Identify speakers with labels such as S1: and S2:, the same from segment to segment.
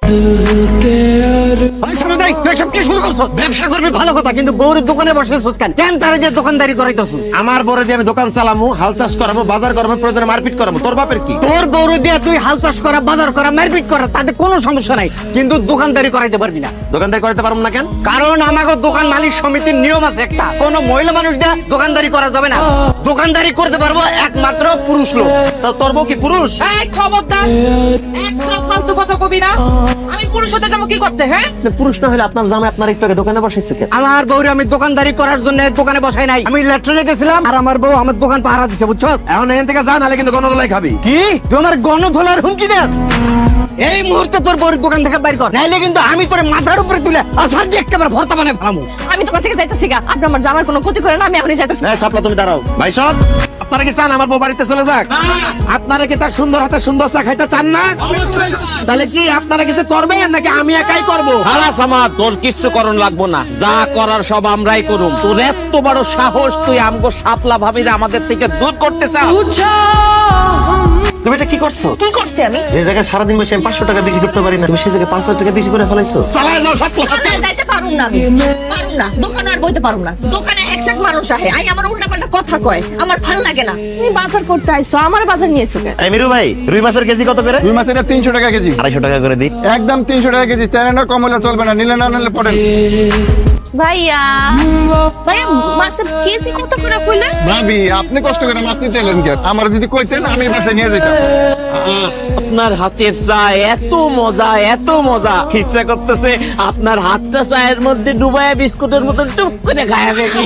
S1: ব্যবসা করবি ভালো কথা, কিন্তু বউর দোকানে বসেছিস কেন? কেন তারা যে দোকানদারি করাইতেছিস?
S2: আমার বড় দিয়ে আমি দোকান চালামু, হাল চাষ করাবো, বাজার করাবো, প্রয়োজনে মারপিট করাবো। তোর বাপের কি?
S1: তোর বউর দিয়ে তুই হাল চাষ করা, বাজার করা, মারপিট করা, তাতে কোনো সমস্যা নাই, কিন্তু দোকানদারি করাইতে পারবি না।
S2: দোকানদারি করতে পারবো না কেন?
S1: কারণ আমাকে দোকান মালিক সমিতির নিয়ম আছে একটা, কোন মহিলা মানুষ দিয়ে দোকানদারি করা যাবে না। দোকানদারি করতে পারবো একমাত্র পুরুষ লোক।
S2: তা তোর বউ কি পুরুষ?
S3: এই খবরদার, একটা ফালতু কথা কবি না। আমি পুরুষ হতে যাবো কি করতে? হ্যাঁ,
S2: পুরুষ না হলে আপনার জামাই আপনার একটু আগে দোকানে বসেছে কেন?
S1: আমার বউরে আমি দোকানদারি করার জন্য দোকানে বসাই নাই, আমি ল্যাট্রিনে গেছিলাম আর আমার বউ আমার দোকান পাহারা দিছে, বুঝছো?
S2: এখন এখান থেকে যা, নাহলে কিন্তু গণদোলাই খাবি।
S1: কি তুই আমার গণধোলার হুমকি দেস? এই মুহূর্তে তোর বউর দোকান থেকে বাইর কর, নাইলে কিন্তু আমি তোর মাথার উপরে তুলে আসার দিয়ে একেবারে ভর্তা বানায় ফেলামু।
S3: আমি দোকান থেকে যাইতেছি গা। আপনি আমার জামার কোনো ক্ষতি করেন না, আমি এখনই যাইতেছি।
S2: হ্যাঁ সাপলা, তুমি দাঁড়াও। ভাই সব আপনারা কি চান আমার বউ বাড়িতে চলে যাক? আপনারা কি তার সুন্দর হাতে সুন্দর চা খাইতে চান না? তাহলে কি আপনারা কিছু করবেন নাকি আমি একাই করবো?
S4: হারাস আমার, তোর কিচ্ছু করণ লাগবো না, যা করার সব আমরাই করুম। তোর এত বড় সাহস, তুই আমগো শাপলা ভাবিরা আমাদের থেকে দূর করতে চাও?
S2: তুমি এটা কি করছো?
S3: কি করছি আমি?
S2: যে জায়গায় সারাদিন বসে আমি 500 টাকা বিক্রি করতে পারি না, তুমি সেই জায়গায় 5000 টাকা বিক্রি করে ফেলাইছো। চালায় যাও সাপলা।
S3: দোকানে যাইতে পারুম না, পারুম না, দোকানে আর বইতে পারুম না। দোকানে একসাথে মানুষ আহে, আই আমার উল্টা পাল্টা কথা কয়, আমার ভাল লাগে না। তুমি বাজার করতে আইছো, আমার বাজার নিয়েছো কেন?
S2: এই মিরু ভাই, রুই মাছের কেজি কত করে?
S5: রুই মাছের 300 টাকা কেজি।
S2: 250 টাকা করে দিই।
S5: একদম 300 টাকা কেজি। চাইলে না, কম হলে চলবে না, নিলে না নিলে পড়েন।
S3: ভাইয়া, ভাইয়া মাছের কেজি কত করে কইলে?
S5: ভাবি, আপনি কষ্ট করে মাছ নিতে এলেন কেন? আমার যদি কইতেন আমি বাসায় নিয়ে যেতাম।
S4: আপনার হাতের চা এত মজা, এত মজা, ইচ্ছা করতেছে আপনার হাতটা চায়ের মধ্যে ডুবাইয়া বিস্কুটের মতন টুক করে খায়া দেখি।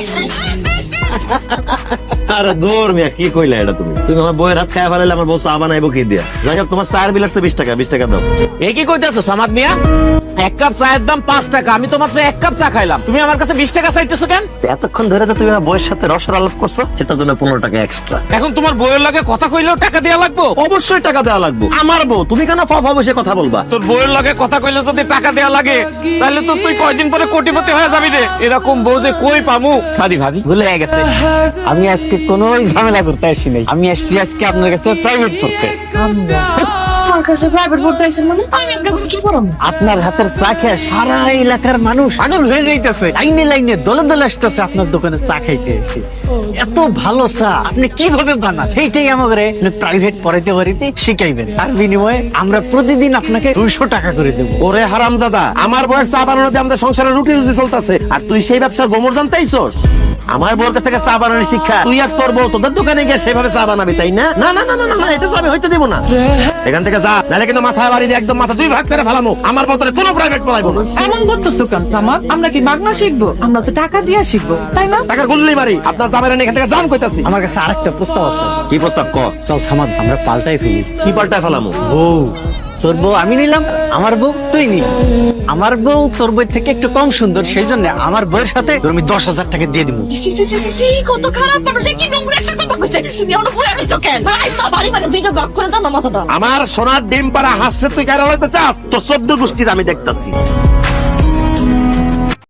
S2: আরে দূর মিয়া, কি কইলা এটা তুমি? তুমি আমার বউয়ের হাত খায়া ফেলাইলে আমার বউ চা বানাইবো কি দিয়া? যাই হোক, তোমার চায়ের বিল আসছে 20 টাকা, 20 টাকা দাও।
S4: এ কি কইতেছো সামাদ মিয়া? এক কাপ চায়ের দাম 5 টাকা, আমি তো মাত্র এক কাপ চা খাইলাম, তুমি আমার কাছে 20 টাকা চাইতেছো কেন?
S2: এতক্ষণ ধরে যে তুমি আমার বউয়ের সাথে রসের আলাপ করছো, সেটার জন্য 15 টাকা এক্সট্রা।
S4: এখন তোমার বউয়ের লাগে কথা কইলেও টাকা দেয়া লাগবো?
S2: অবশ্যই টাকা দেওয়া লাগবে। আমার বউ, তুমি কেন ফা বসে কথা বলবা?
S4: তোর বউয়ের লাগে কথা কইলে যদি টাকা দেয়া লাগে, তাহলে তো তুই কয়দিন পরে কোটিপতি হয়ে যাবি রে। এরকম বউ যে কই পামু? সরি ভাবি, ভুলে গেছে। আমি আজকে কোনো ঝামেলা করতে আসি নাই, আমি আসছি আজকে আপনার কাছে প্রাইভেট পড়তে।
S3: আমার কাছে প্রাইভেট পড়তে আইছেন মানে? আমি আপনাকে কি করাম?
S1: আপনার হাতের চা খেয়ে সারা এলাকার মানুষ পাগল হয়ে যাইতেছে, লাইনে লাইনে দলে দলে আসতেছে আপনার দোকানে চা খাইতে এসে। এত ভালো চা আপনি কিভাবে বানান, সেইটাই আমাদের প্রাইভেট পড়াইতে পারিতে শিখাইবেন। তার বিনিময়ে আমরা প্রতিদিন আপনাকে 200 টাকা করে দেবো।
S2: ওরে হারামজাদা, আমার বউয়ের চা বানানো দিয়ে আমাদের সংসারে রুটি রুটি চলতেছে, আর তুই সেই ব্যবসার গোমর জানতেইছস? আমার বউর কাছ থেকে চা বানানোর শিক্ষা তুই আর তোর বউ তোদের দোকানে গিয়ে সেভাবে চা বানাবি, তাই না? না না না না না, এটা তো আমি হইতে দেবো না। এখান থেকে যা, নাহলে কিন্তু মাথায় বাড়ি দিয়ে একদম মাথা 2 ভাগ করে ফেলামো। আমার বউতরে কোনো প্রাইভেট পড়াইবো না।
S3: এমন করতেছো কেন সামাদ? আমরা কি মাগনা শিখবো? আমরা তো টাকা দিয়ে শিখবো, তাই না?
S2: টাকার গুল্লি মারি। আপনার জামাইরা এখান থেকে জান কইতাছি।
S1: আমার কাছে আরেকটা প্রস্তাব আছে।
S2: কি প্রস্তাব ক?
S1: চল সামাদ, আমরা পাল্টাই ফেলি।
S2: কি পাল্টায় ফেলামো?
S1: বউ, তোর বউ আমি নিলাম, আমার বউ তুই নিলি। আমার বউ তোর বই থেকে একটু কম সুন্দর, সেই জন্য আমার বউয়ের সাথে তোর আমি 10,000 টাকা দিয়ে দিব।
S3: কত খারাপ মানুষ, কি নোংরা একটা কথা কইছে। তুমি আমার বইয়া রইছো কেন? ভাই মা বাড়ি মানে দুইটা ভাগ করে দাও না মাথাটা।
S2: আমার সোনার ডিম পাড়া হাসছে তুই কেন হইতে চাস? তোর 14 গোষ্ঠীর আমি দেখতাছি।